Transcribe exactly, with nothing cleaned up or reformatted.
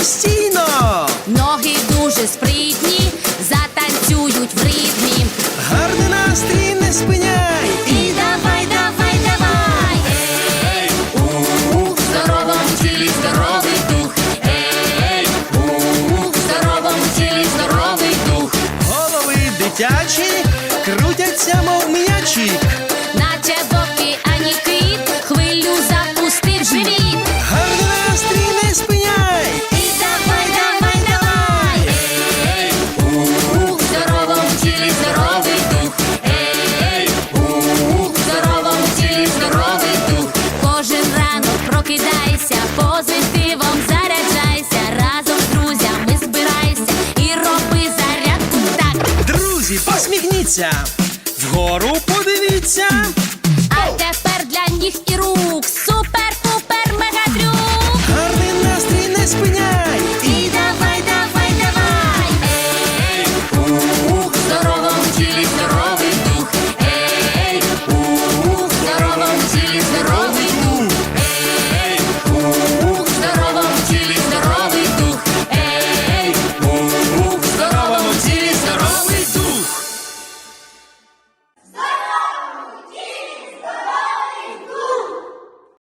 постійно. Ноги дуже спритні, затанцюють в ритмі. Гарний настрій не спиняй. І давай, давай, давай. Ей, у, в здоровому тілі здоровий дух. Ей, у, в здоровому тілі здоровий дух. Голови дитячі крутяться, мов м'ячі. Наче в океані кит, хвилю запустив живіт. Гарний настрій не спиняй. І давай, давай, давай. Ей, у, в здоровому тілі здоровий дух. Ей, у, в здоровому тілі здоровий дух. Кожен ранок прокидайся, позитивом заряджайся. Разом з друзями збирайся і роби зарядку так. Друзі, посміхніться, вгору подивіться. А тепер для ніг і рук супер-пупер мегатрюк. Гарний настрій не спиняй.